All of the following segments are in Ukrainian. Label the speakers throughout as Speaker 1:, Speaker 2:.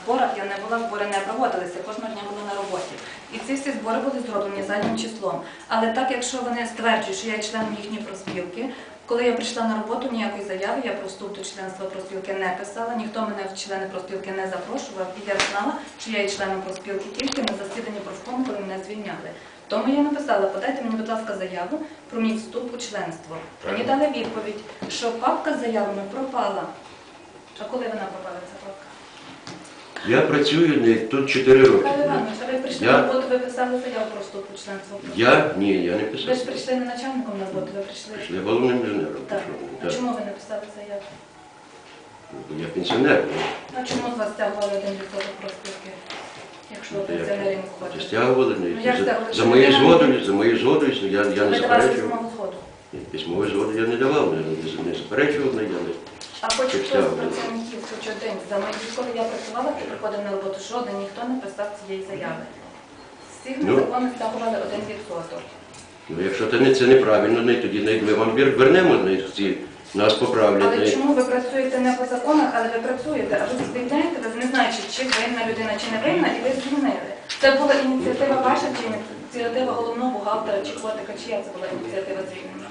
Speaker 1: зборах я не була, збори не проводилися, кожного дня була на роботі. І ці всі збори були зроблені заднім числом. Але так, якщо вони стверджують, що я є членом їхньої профспілки, коли я прийшла на роботу, ніякої заяви, я про вступ до членства профспілки не писала, ніхто мене в члени профспілки не запрошував, і я знала, що я є членом профспілки тільки на засіданні профкому, коли мене звільняли. Тому я написала, подайте мені, будь ласка, заяву про мій вступ у членство. Мені дали відповідь, що папка з заявами пропала. А коли вона пропала, ця папка?
Speaker 2: Я працюю тут 4 роки.
Speaker 1: Михайло Іванович, а ви прийшли на роботу, ви писали заяву про вступ у членство?
Speaker 2: Ні, я не
Speaker 1: Ви
Speaker 2: писав.
Speaker 1: ж прийшли не начальником на роботу, ви прийшли?
Speaker 2: Я головним інженером.
Speaker 1: Так. А
Speaker 2: Так.
Speaker 1: чому ви не писали заяву?
Speaker 2: Я пенсіонер.
Speaker 1: А чому з вас стягували 1% профспілки, якщо ви пенсіонері не входите?
Speaker 2: Стягували.
Speaker 1: як стягували?
Speaker 2: За моєю згодою, я
Speaker 1: Ви
Speaker 2: не
Speaker 1: давали
Speaker 2: заперечував.
Speaker 1: письмову згоду.
Speaker 2: Письмової згоди я не давав, не заперечував, я не.
Speaker 1: А хоч хтось з працівників, хоч один, за мої, коли я працювала, і приходив на роботу, жоден ніхто не писав цієї заяви. Всіх незаконно стягували 1%.
Speaker 2: Ну, якщо це неправильно, тоді ми вам вернемо, нас поправлять.
Speaker 1: Але чому ви працюєте не по законах, але ви працюєте, а ви звільняєте, ви не знаєте, чи винна людина, чи не винна, і ви звільнили. Це була ініціатива ваша, чи ініціатива головного бухгалтера, чи котика, чия це була ініціатива звільнення?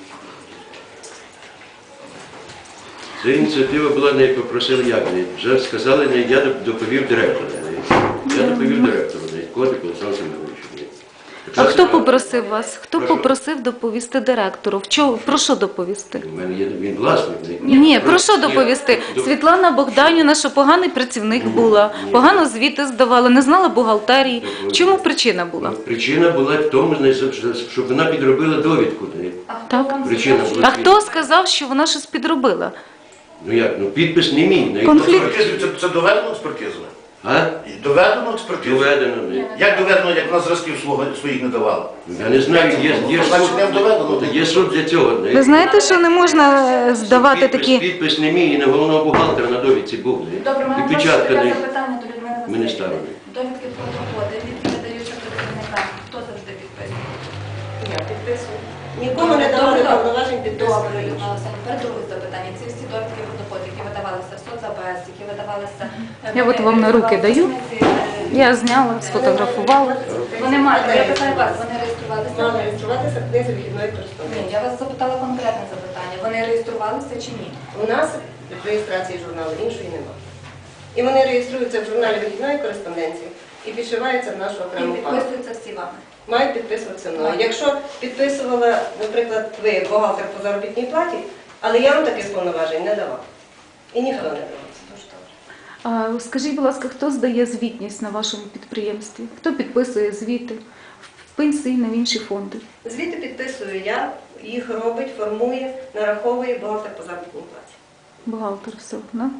Speaker 2: Ця ініціатива була, не попросили як, вже сказали, я доповів директору. Я доповів директору, котик Олександру Семеновичу.
Speaker 3: А хто попросив вас? Хто попросив доповісти директору? Про що доповісти?
Speaker 2: У мене є він власник.
Speaker 3: Ні, про що доповісти? Світлана Богданівна, що поганий працівник була, погано звіти здавала, не знала бухгалтерії. Чому причина була?
Speaker 2: Причина була в тому, щоб вона підробила довідку.
Speaker 3: Так.
Speaker 2: Причина була.
Speaker 3: А хто сказав, що вона щось підробила?
Speaker 2: Ну як, підпис не мій.
Speaker 3: Конфлікт.
Speaker 4: Це доведено експертизою?
Speaker 2: А?
Speaker 4: Доведено експертизою?
Speaker 2: Доведено.
Speaker 4: Як доведено, як вона зразків своїх не давала?
Speaker 2: Я не знаю,
Speaker 4: Значить, не доведено.
Speaker 2: є суд для цього.
Speaker 3: Ви знаєте, що не можна здавати такі...
Speaker 2: Підпис не мій, і не головного бухгалтера на довідці був.
Speaker 1: Добре,
Speaker 2: І
Speaker 1: мене
Speaker 2: печатка
Speaker 1: таке
Speaker 2: не.
Speaker 1: запитання до Людмили
Speaker 2: Ми не
Speaker 1: Васильівни.
Speaker 2: ставили.
Speaker 1: Довідки про доходи, від видаються працівникам. Хто завжди підписує?
Speaker 5: Я підписую. Нікому не давали повноважень підписувати.
Speaker 1: Добре, Людмила Васильівна, тепер друге запитання. Ці всі довідки про доходи, які видавалися в соцАБС, які видавалися...
Speaker 3: Я от вам на руки даю. Я зняла, сфотографувала.
Speaker 1: Вони мають, я питаю вас, вони реєструвалися?
Speaker 5: Мали реєструватися в книзі вихідної
Speaker 1: Ні,
Speaker 5: кореспонденції.
Speaker 1: я вас запитала конкретне запитання. Вони реєструвалися чи ні?
Speaker 5: У нас реєстрації журналу іншої немає. І вони реєструються в журналі вихідної кореспонденції і підшиваються в нашу
Speaker 1: І
Speaker 5: окрему папку.
Speaker 1: підписуються всі вами.
Speaker 5: Мають підписуватися мною. Якщо підписувала, наприклад, ви бухгалтер по заробітній платі, але я вам таких повноважень не давав. І ніхто не давав.
Speaker 1: Дуже добре.
Speaker 3: А скажіть, будь ласка, хто здає звітність на вашому підприємстві? Хто підписує звіти в пенсійні, в інші фонди?
Speaker 5: Звідти підписую я, їх робить, формує, нараховує бухгалтер по заробітній платі.
Speaker 3: Бухгалтер, все, да?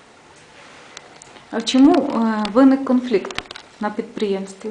Speaker 3: А чому виник конфлікт на підприємстві?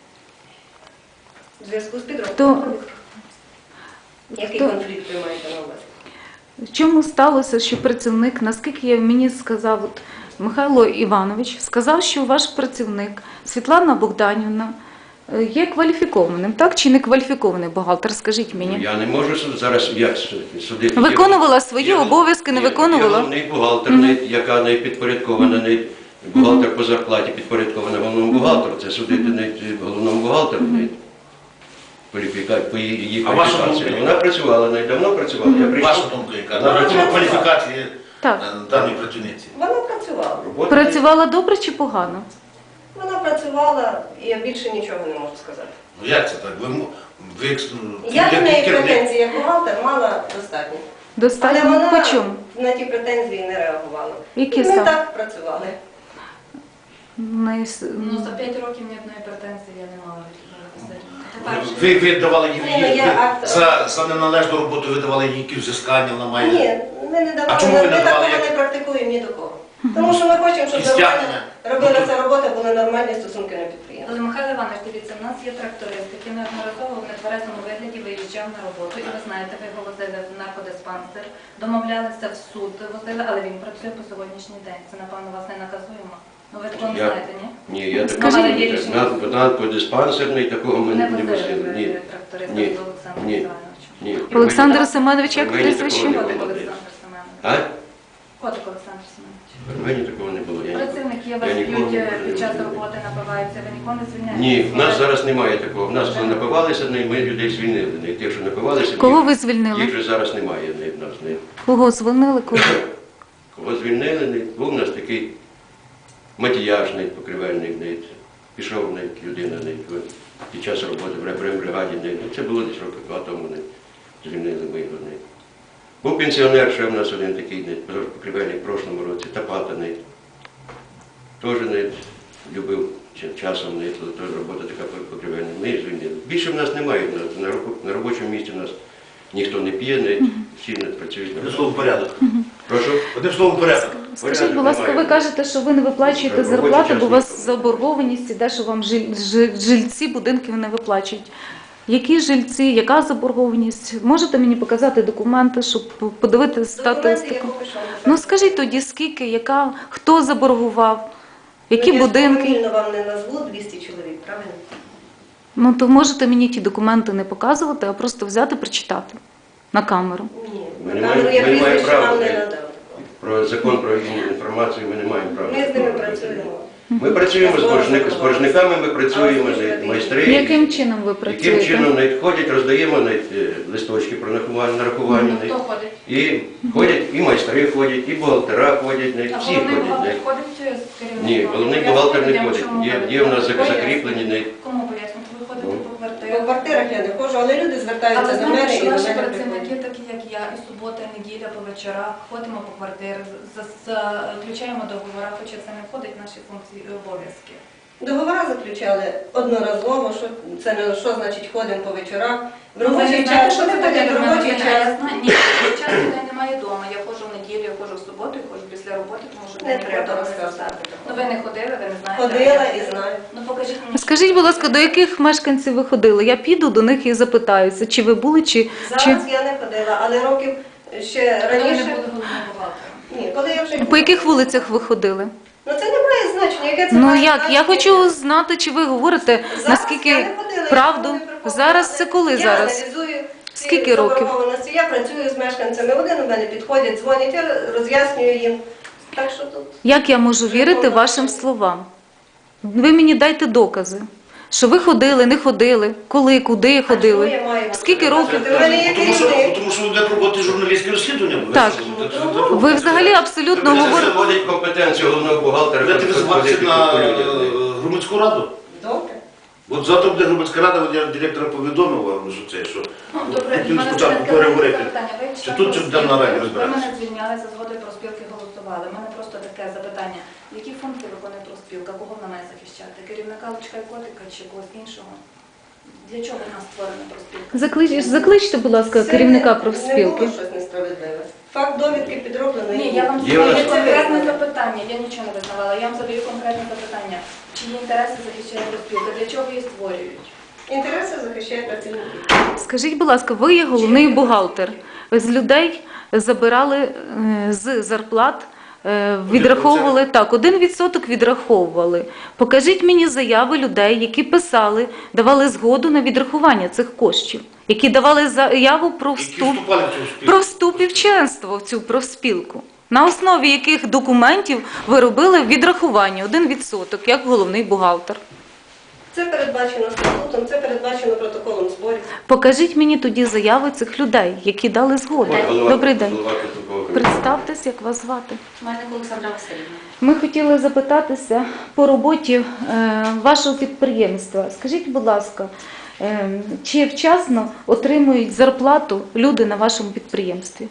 Speaker 5: В зв'язку з
Speaker 3: Хто-
Speaker 5: підробкою. Який
Speaker 3: хто-
Speaker 5: конфлікт ви маєте на увазі?
Speaker 3: В чому сталося, що працівник, наскільки мені сказав от Михайло Іванович, сказав, що ваш працівник Світлана Богданівна є кваліфікованим, так? Чи не кваліфікований бухгалтер, скажіть мені?
Speaker 2: Я не можу зараз як судити.
Speaker 3: Виконувала свої обов'язки, не виконувала?
Speaker 2: Є головний бухгалтер, яка не підпорядкована, не бухгалтер по зарплаті підпорядкована головному бухгалтеру. Це судити не головному бухгалтеру, не по її
Speaker 4: А ваша
Speaker 2: кваліфікації.
Speaker 4: думка?
Speaker 2: Вона працювала, давно працювала. Я прийшов.
Speaker 4: Ваша думка яка? На рахунок кваліфікації
Speaker 3: Так.
Speaker 4: даної працівниці?
Speaker 5: Вона працювала.
Speaker 2: Робота-
Speaker 3: Працювала добре чи погано?
Speaker 5: Вона працювала, і я більше нічого не можу сказати.
Speaker 4: Ну як це так?
Speaker 5: Я до неї
Speaker 4: керівник.
Speaker 5: претензії як бухгалтер мала достатньо. Але
Speaker 3: Достатньо?
Speaker 5: вона
Speaker 3: По чому?
Speaker 5: на ті претензії не реагувала.
Speaker 3: Які
Speaker 5: І ми
Speaker 3: саме?
Speaker 5: так працювали.
Speaker 1: Ну, за 5 років ні одної претензії я не мала від Людмили Васильівни.
Speaker 4: Ви давали їй
Speaker 5: Ні, я акт-
Speaker 4: за неналежну роботу, ви давали їй якісь взискання, вона має.
Speaker 5: Ні, ми не давали,
Speaker 4: А чому ви не
Speaker 5: ми
Speaker 4: давали,
Speaker 5: такого
Speaker 4: як-
Speaker 5: не практикуємо ні до кого. Тому що ми хочемо, щоб
Speaker 4: І стягнення.
Speaker 5: робилася робота, були нормальні стосунки на підприємстві.
Speaker 1: Але, Михайло Іванович, дивіться, в нас є тракторист, який неодноразово в нетверезому вигляді виїжджав на роботу. І ви знаєте, ви його возили в наркодиспансер, домовлялися в суд, возили, але він працює по сьогоднішній день. Це, напевно, вас не наказуємо. Ну, ви такого не знаєте, ні?
Speaker 2: Ні, я
Speaker 3: Скажіть-
Speaker 2: такого наркодиспансерний, такого ми
Speaker 1: Не
Speaker 2: не
Speaker 1: возили
Speaker 2: возили. Ні.
Speaker 1: ви тракториста
Speaker 2: Ні.
Speaker 1: з Олександром
Speaker 2: Ні.
Speaker 1: Івановичем.
Speaker 2: Ні.
Speaker 3: Олександр Семенович, як
Speaker 2: У мене
Speaker 3: прізвище?
Speaker 2: такого не
Speaker 1: Котик
Speaker 2: було.
Speaker 1: Олександр Семенович.
Speaker 2: А?
Speaker 1: Котик Олександр Семенович.
Speaker 2: В мене такого не було. Я не-
Speaker 1: Працівник є вас
Speaker 2: Я ніколи
Speaker 1: б'ють
Speaker 2: не
Speaker 1: під час
Speaker 2: звільняли.
Speaker 1: роботи, напиваються, ви ніколи не звільняєте?
Speaker 2: Ні, в нас зараз немає такого. В нас, коли напивалися, ми людей звільнили. Тих, що напивалися,
Speaker 3: Кого ви
Speaker 2: їх
Speaker 3: звільнили?
Speaker 2: вже зараз немає в нас.
Speaker 3: Кого звільнили? Кого?
Speaker 2: Кого звільнили, був у нас такий матіяжний, покривельник, пішов людина під час роботи в репрембригаді. Це було десь роки 2 тому, звільнили ми його. Був пенсіонер, ще в нас один такий покривельник в прошлому році, Тапата, теж любив часом, теж робота така покривельна. Ми їх звільнили. Більше в нас немає, на робочому місці в нас ніхто не п'є, всі не працюють.
Speaker 4: Одним словом порядок.
Speaker 2: Прошу?
Speaker 4: Одним словом порядок.
Speaker 3: Скажіть, будь ласка, ви кажете, що ви не виплачуєте
Speaker 2: Робочий
Speaker 3: зарплату,
Speaker 2: час
Speaker 3: бо у вас
Speaker 2: ніхто.
Speaker 3: заборгованість іде, що вам жильці будинків не виплачують. Які жильці, яка заборгованість? Можете мені показати документи, щоб подивитися
Speaker 5: Документи я
Speaker 3: статистику?
Speaker 5: поки що не
Speaker 3: Ну
Speaker 5: покажу.
Speaker 3: скажіть тоді, скільки, яка, хто заборгував, які
Speaker 5: Ну, я ж
Speaker 3: будинки?
Speaker 5: повільно вам не назву 200 чоловік, правильно?
Speaker 3: Ну то можете мені ті документи не показувати, а просто взяти, прочитати на камеру.
Speaker 5: Ні.
Speaker 2: Ми
Speaker 5: На
Speaker 2: не
Speaker 5: камеру я
Speaker 2: маємо- ми не маємо
Speaker 5: прізвище
Speaker 2: права.
Speaker 5: вам не надав.
Speaker 2: Про закон про інформацію ми не маємо права.
Speaker 5: Ми з ними працюємо.
Speaker 2: Ми працюємо з боржниками, ми працюємо, майстри.
Speaker 3: Яким чином ви
Speaker 2: Яким
Speaker 3: працюєте?
Speaker 2: чином ходять, роздаємо листочки про нарахування.
Speaker 1: Хто ходить?
Speaker 2: І ходять, і майстри ходять, і бухгалтера ходять,
Speaker 1: А
Speaker 2: всі
Speaker 1: головний
Speaker 2: ходять.
Speaker 1: бухгалтер ходить з керівником?
Speaker 2: Ні, головний бухгалтер не ходить. Є в нас закріплені.
Speaker 1: Кому пояснюють? Ви ходите по
Speaker 5: По
Speaker 1: квартирах?
Speaker 5: квартирах я не ходжу, але люди
Speaker 1: Але
Speaker 5: звертаються до
Speaker 1: знаєте,
Speaker 5: мене і
Speaker 1: що
Speaker 5: до
Speaker 1: наші
Speaker 5: мене
Speaker 1: працівники,
Speaker 5: приходять.
Speaker 1: такі як я, і субота, і неділя по вечорах, ходимо по квартирах, заключаємо договори, хоча це не входить в наші функції і обов'язки.
Speaker 5: Договори заключали одноразово, що це не що значить ходимо по вечорах. В
Speaker 1: Ну, ви
Speaker 5: робочий
Speaker 1: не знаєте,
Speaker 5: час,
Speaker 1: що
Speaker 5: що
Speaker 1: це
Speaker 5: це
Speaker 1: таке
Speaker 5: таке в робочий
Speaker 1: Я
Speaker 5: час?
Speaker 1: знаю. Ні, робочий час людей немає вдома. Я ходжу в неділю, я ходжу в суботу, я ходжу після роботи, тому що
Speaker 5: Не
Speaker 1: мені
Speaker 5: треба
Speaker 1: вдома
Speaker 5: розказувати.
Speaker 1: Ну ви не ходили, ви не знаєте.
Speaker 5: Ходила
Speaker 1: а я
Speaker 5: і знаю.
Speaker 1: Ну покажіть мені.
Speaker 3: Скажіть, будь ласка, до яких мешканців ви ходили? Я піду до них і запитаюся, чи ви були, чи...
Speaker 5: Зараз я не ходила, але років ще
Speaker 1: Коли ви не
Speaker 5: раніше.
Speaker 1: були головним бухгалтером.
Speaker 5: Ні, коли я вже
Speaker 3: По яких вулицях ви ходили?
Speaker 5: Ну це не має значення, яке це
Speaker 3: Ну
Speaker 5: має
Speaker 3: як?
Speaker 5: значення.
Speaker 3: Я хочу знати, чи ви говорите,
Speaker 5: Зараз я
Speaker 3: наскільки
Speaker 5: не ходила,
Speaker 3: правду.
Speaker 5: я ніколи не
Speaker 3: Зараз це коли
Speaker 5: я
Speaker 3: зараз?
Speaker 5: аналізую ці
Speaker 3: Скільки років?
Speaker 5: заборгованості. Я працюю з мешканцями. Один у мене підходять, дзвонять, я роз'яснюю їм. Так що тут.
Speaker 3: Як я можу вірити вашим словам? Ви мені дайте докази, що ви ходили, не ходили, коли, куди
Speaker 5: А чому
Speaker 3: ходили,
Speaker 5: я маю?
Speaker 3: скільки років.
Speaker 5: Ти в мене є керівник.
Speaker 4: Тому що йде роботи журналістське розслідування.
Speaker 3: Так. Ви взагалі абсолютно
Speaker 2: Це
Speaker 3: говорите.
Speaker 2: заводить компетенцію головного бухгалтера.
Speaker 4: Ви тебе
Speaker 2: ходити
Speaker 4: звати на
Speaker 2: по людям.
Speaker 4: громадську раду?
Speaker 5: Добре.
Speaker 4: От завтра буде громадська рада, от я директора повідомив вам, що це, що
Speaker 1: Ну, добре,
Speaker 4: тут
Speaker 1: в мене
Speaker 4: спочатку
Speaker 1: таке
Speaker 4: переговорити.
Speaker 1: запитання. Ви
Speaker 4: Чи
Speaker 1: член
Speaker 4: тут, чи там на раді
Speaker 1: профспілки,
Speaker 4: розбиратися?
Speaker 1: Ви мене звільняли за згодою профспілки, голосували. У мене просто таке запитання. Які функції виконує профспілка? Кого вона має захищати? Керівника Лучка і Котика чи когось іншого? Для чого в нас створена профспілка?
Speaker 3: Закличте, будь ласка,
Speaker 5: Це
Speaker 3: керівника
Speaker 5: Не
Speaker 3: профспілки.
Speaker 5: було щось несправедливе. Факт довідки підроблений.
Speaker 1: Ні, я вам
Speaker 2: Є у нас-
Speaker 1: задаю конкретне запитання. Я нічого не визнавала. Я вам задаю конкретне запитання. Чиї інтереси захищає профспілка? Для чого її створюють?
Speaker 5: Інтереси захищає працівники.
Speaker 3: Скажіть, будь ласка, ви є головний бухгалтер. Ви з людей забирали з зарплат, відраховували так, 1% відраховували. Покажіть мені заяви людей, які писали, давали згоду на відрахування цих коштів, які давали заяву про
Speaker 4: які
Speaker 3: вступ.
Speaker 4: вступали в цю спілку.
Speaker 3: Про вступ і в членство в цю профспілку. На основі яких документів ви робили відрахування 1%, як головний бухгалтер.
Speaker 5: Це передбачено статутом, це передбачено протоколом зборів.
Speaker 3: Покажіть мені тоді заяви цих людей, які дали згоду.
Speaker 2: От голова-
Speaker 3: Добрий день.
Speaker 2: голова Конституційного комітету.
Speaker 3: Представтесь, як вас звати.
Speaker 6: Мельник Олександра Васильівна.
Speaker 3: Ми хотіли запитатися по роботі вашого підприємства. Скажіть, будь ласка, чи вчасно отримують зарплату люди на вашому підприємстві?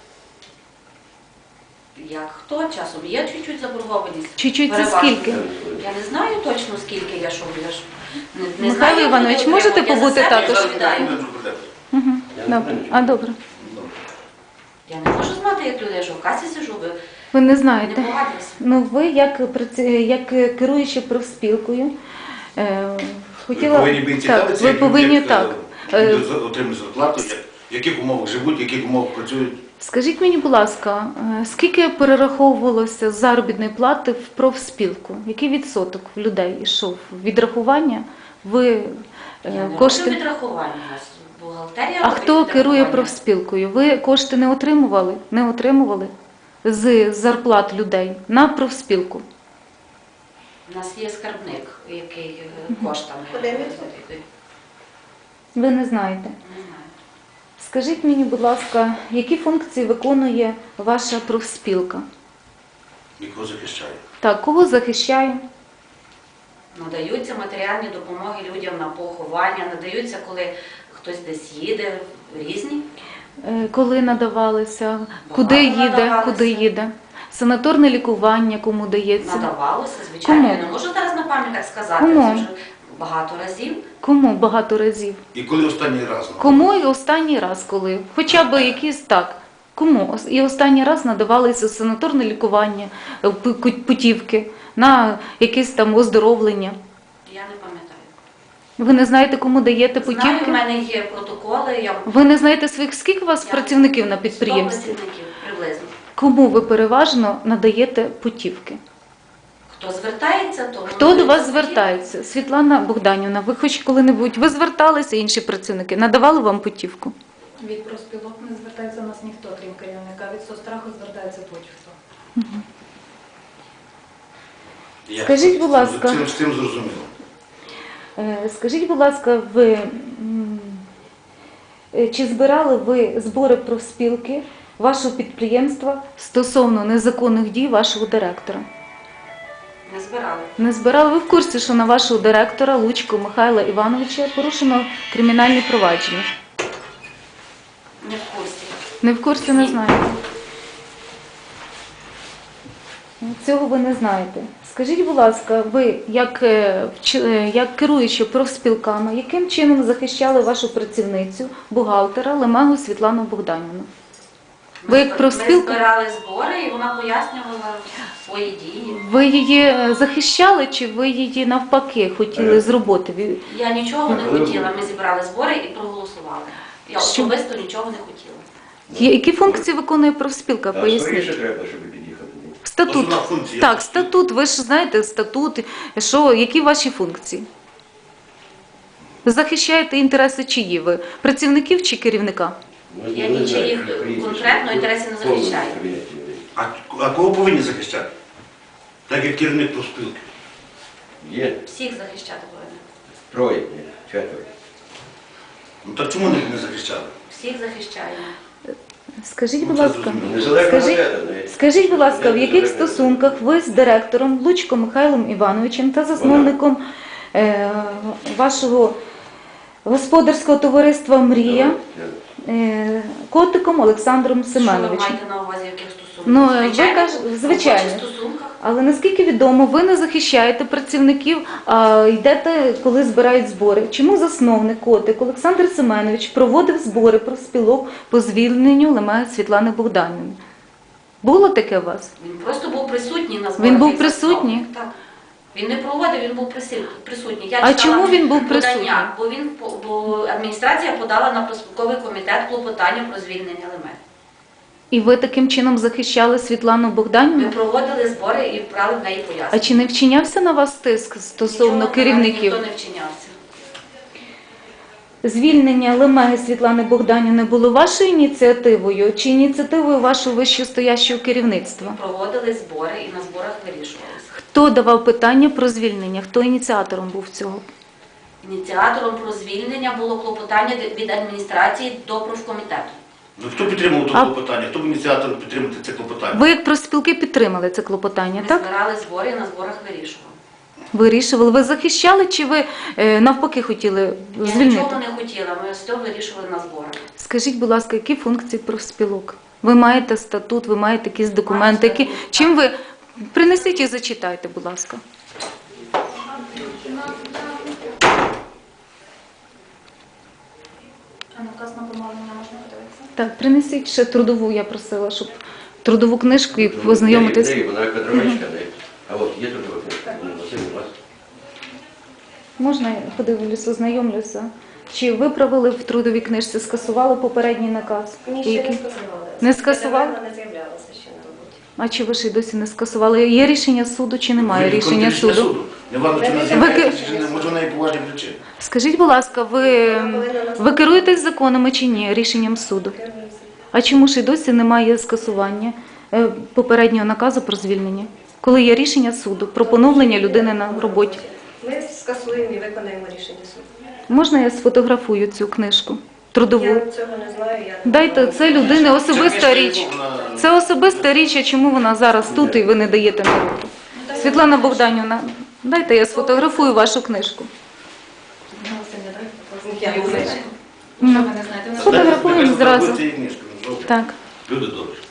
Speaker 6: Як хто часом? Є чуть-чуть заборгованість.
Speaker 3: Чуть-чуть це
Speaker 6: Переважно.
Speaker 3: скільки?
Speaker 6: Я не знаю точно скільки я ж не
Speaker 3: Михайло
Speaker 6: знаю,
Speaker 3: Іванович,
Speaker 6: як вони
Speaker 3: можете
Speaker 6: отримують.
Speaker 3: побути
Speaker 6: Я за себе
Speaker 3: також?
Speaker 6: відповідаю.
Speaker 3: Угу. Добре. А добре.
Speaker 6: Я не можу знати, як люди, я ж в касі сижу, ви
Speaker 3: Ви не
Speaker 6: не
Speaker 3: знаєте.
Speaker 6: погодилися.
Speaker 3: Ну, ви як керуючи профспілкою, хотіла...
Speaker 4: Ви повинні бути цікавитися,
Speaker 3: ви
Speaker 4: як
Speaker 3: повинні
Speaker 4: люди,
Speaker 3: так.
Speaker 4: люди отримують зарплату, в яких умовах живуть, в яких умовах працюють.
Speaker 3: Скажіть мені, будь ласка, скільки перераховувалося з заробітної плати в профспілку? Який відсоток в людей йшов? Відрахування? Ви
Speaker 6: Я не роблю
Speaker 3: кошти...
Speaker 6: відрахування у нас. Бухгалтерія
Speaker 3: А
Speaker 6: робить
Speaker 3: хто керує
Speaker 6: відрахування.
Speaker 3: профспілкою? Ви кошти не отримували? Не отримували з зарплат людей на профспілку?
Speaker 6: У нас є скарбник, який коштами.
Speaker 5: Подивимося.
Speaker 3: Ви не знаєте.
Speaker 6: Не знаю.
Speaker 3: Скажіть мені, будь ласка, які функції виконує ваша профспілка?
Speaker 4: Нікого захищає.
Speaker 3: Так, кого захищає?
Speaker 6: Надаються матеріальні допомоги людям на поховання, надаються, коли хтось десь їде, різні.
Speaker 3: Коли надавалися? Куди їде?
Speaker 6: надавалися.
Speaker 3: Куди їде? Санаторне лікування кому дається?
Speaker 6: Надавалося, звичайно.
Speaker 3: Кому?
Speaker 6: Я не можу зараз на пам'ять сказати,
Speaker 3: Кому?
Speaker 6: це вже багато разів.
Speaker 3: Кому багато разів?
Speaker 4: І коли останній раз?
Speaker 3: Кому і останній раз коли? Хоча б якісь так. Кому? І останній раз надавалися санаторне лікування, путівки на якесь там оздоровлення.
Speaker 6: Я не пам'ятаю.
Speaker 3: Ви не знаєте, кому даєте
Speaker 6: Знаю, в
Speaker 3: путівки?
Speaker 6: мене є протоколи,
Speaker 3: Ви не знаєте своїх, скільки у вас
Speaker 6: Я-
Speaker 3: працівників на
Speaker 6: 100
Speaker 3: підприємстві?
Speaker 6: працівників приблизно.
Speaker 3: Кому ви переважно надаєте путівки?
Speaker 6: Хто звертається, то
Speaker 3: Хто
Speaker 6: вони
Speaker 3: до вас
Speaker 6: дають.
Speaker 3: звертається? Світлана Богданівна, ви хоч коли-небудь ви зверталися, інші працівники, надавали вам путівку?
Speaker 1: Від профспілок не звертається до нас ніхто, крім керівника. Від соцстраху звертається будь-хто.
Speaker 4: Я
Speaker 3: Скажіть, будь ласка.
Speaker 4: З цим зрозуміло.
Speaker 3: Скажіть, будь ласка, чи збирали ви збори профспілки вашого підприємства стосовно незаконних дій вашого директора?
Speaker 6: Не збирали.
Speaker 3: Не збирали? Ви в курсі, що на вашого директора Лучко Михайла Івановича порушено кримінальне провадження?
Speaker 6: Не в курсі.
Speaker 3: Не в курсі, не знаєте? Цього ви не знаєте. Скажіть, будь ласка, ви, як керуючи профспілками, яким чином захищали вашу працівницю, бухгалтера Лемегу Світлану Богданівну? Ви як
Speaker 6: Ми
Speaker 3: профспілка?
Speaker 6: збирали збори, і вона пояснювала свої дії.
Speaker 3: Ви її захищали чи ви її навпаки хотіли з роботи?
Speaker 6: Я нічого не хотіла. Ми зібрали збори і проголосували. Я
Speaker 3: Що?
Speaker 6: особисто нічого не хотіла.
Speaker 3: Які функції виконує профспілка?
Speaker 2: А скоріше
Speaker 3: Поясніть.
Speaker 2: треба, щоб під'їхати.
Speaker 3: Статут.
Speaker 4: Основна функція.
Speaker 3: Так, статут. Ви ж знаєте статут. Які ваші функції? Захищаєте інтереси чиї ви? Працівників чи керівника?
Speaker 2: Ну,
Speaker 6: Я
Speaker 2: не знаю,
Speaker 6: нічиїх
Speaker 2: прізвище.
Speaker 6: конкретно інтересів не захищаю.
Speaker 2: Повністю кабінеті людей.
Speaker 4: А кого повинні захищати? Так як керівник профспілки.
Speaker 2: Є
Speaker 6: Всіх захищати повинні.
Speaker 2: троє, ні, четверо.
Speaker 4: Ну так чому не захищали?
Speaker 6: Всіх захищаємо.
Speaker 3: Скажіть, будь
Speaker 4: Ну, це
Speaker 3: ласка,
Speaker 4: зрозуміло.
Speaker 2: Незалежно
Speaker 3: Скажіть-
Speaker 2: газета, не.
Speaker 3: скажіть, будь ласка, в яких
Speaker 2: Незалежна
Speaker 3: стосунках ви з директором Лучко Михайлом Івановичем та засновником вашого господарського товариства «Мрія» Котиком Олександром
Speaker 6: Що ви
Speaker 3: Семеновичем?
Speaker 6: маєте на увазі, в яких стосунках?
Speaker 3: Ну, ви кажете, звичайно.
Speaker 6: В робочих стосунках.
Speaker 3: Але наскільки відомо, ви не захищаєте працівників, а йдете, коли збирають збори. Чому засновник Котик Олександр Семенович проводив збори профспілок по звільненню Лемеги Світлани Богданівни? Було таке у вас?
Speaker 6: Він просто був присутній на зборах.
Speaker 3: Він був
Speaker 6: як
Speaker 3: присутній?
Speaker 6: засновник. Так. Він не проводив, він був присутній. Я
Speaker 3: А
Speaker 6: читала
Speaker 3: чому він був
Speaker 6: подання,
Speaker 3: присутній?
Speaker 6: бо адміністрація подала на профспілковий комітет клопотання про звільнення Лемеги.
Speaker 3: І ви таким чином захищали Світлану
Speaker 6: Ми
Speaker 3: Богданівну?
Speaker 6: проводили збори і брали в неї
Speaker 3: А
Speaker 6: пояснення.
Speaker 3: чи не вчинявся на вас тиск стосовно
Speaker 6: Нічого
Speaker 3: керівників?
Speaker 6: Ніхто не вчинявся.
Speaker 3: Звільнення Лемеги Світлани Богданівни було вашою ініціативою чи ініціативою вашого вищостоящого керівництва?
Speaker 6: Проводили збори і на зборах вирішувалися.
Speaker 3: Хто давав питання про звільнення? Хто ініціатором був цього?
Speaker 6: Ініціатором про звільнення було клопотання від адміністрації до профкомітету.
Speaker 4: Ну хто підтримував
Speaker 3: А-
Speaker 4: це клопотання? Хто був ініціатором підтримати це клопотання?
Speaker 3: Ви як профспілки підтримали це клопотання,
Speaker 6: Ми
Speaker 3: так?
Speaker 6: збирали збори і на зборах вирішували.
Speaker 3: Вирішували. Ви захищали чи ви навпаки хотіли
Speaker 6: Я
Speaker 3: звільнити?
Speaker 6: нічого не хотіла, ми все вирішували на зборах.
Speaker 3: Скажіть, будь ласка, які функції профспілок? Ви маєте статут, ви маєте якісь документи, які...
Speaker 6: статут, так.
Speaker 3: чим ви... Принесіть і зачитайте, будь ласка.
Speaker 1: А наказ на помалення можна подивитися?
Speaker 3: Так, принесіть ще трудову, я просила, щоб трудову книжку і познайомитись.
Speaker 2: Не, вона кадровичка, не. А от є тут книжка, Василь, у вас.
Speaker 3: Можна я подивлюся, ознайомлюся? Чи виправили в трудовій книжці, скасували попередній наказ?
Speaker 5: Ні, ще не
Speaker 3: Який?
Speaker 5: скасували.
Speaker 3: Не скасували?
Speaker 5: Вона не з'являлася ще на роботі.
Speaker 3: А чи ви ще й досі не скасували? Є рішення суду чи немає рішення суду?
Speaker 4: Не важливо, чи
Speaker 5: Ви-
Speaker 4: не з'являється, чи не, може, в неї поважні причини.
Speaker 3: Скажіть, будь ласка, ви керуєтесь законами чи ні, рішенням суду? А чому ж і досі немає скасування попереднього наказу про звільнення? коли є рішення суду про поновлення людини на роботі.
Speaker 5: Ми скасуємо і виконаємо рішення суду.
Speaker 3: Можна я сфотографую цю книжку трудову?
Speaker 5: Я цього не знаю. Я не
Speaker 3: Дайте,
Speaker 5: знаю.
Speaker 3: це людини особиста
Speaker 4: Це
Speaker 3: річ.
Speaker 4: книжка, вона-
Speaker 3: Це особиста річ, а чому вона зараз тут і ви не даєте на руку? Світлана Богданівна, дайте я сфотографую вашу книжку.
Speaker 5: Я не знаю.
Speaker 1: Що ви не знаєте?
Speaker 3: Фотографуємо
Speaker 4: Нехай
Speaker 3: зразу.
Speaker 4: фотографуйте її книжку, ну, добре.
Speaker 3: Так.
Speaker 4: Люди добрі.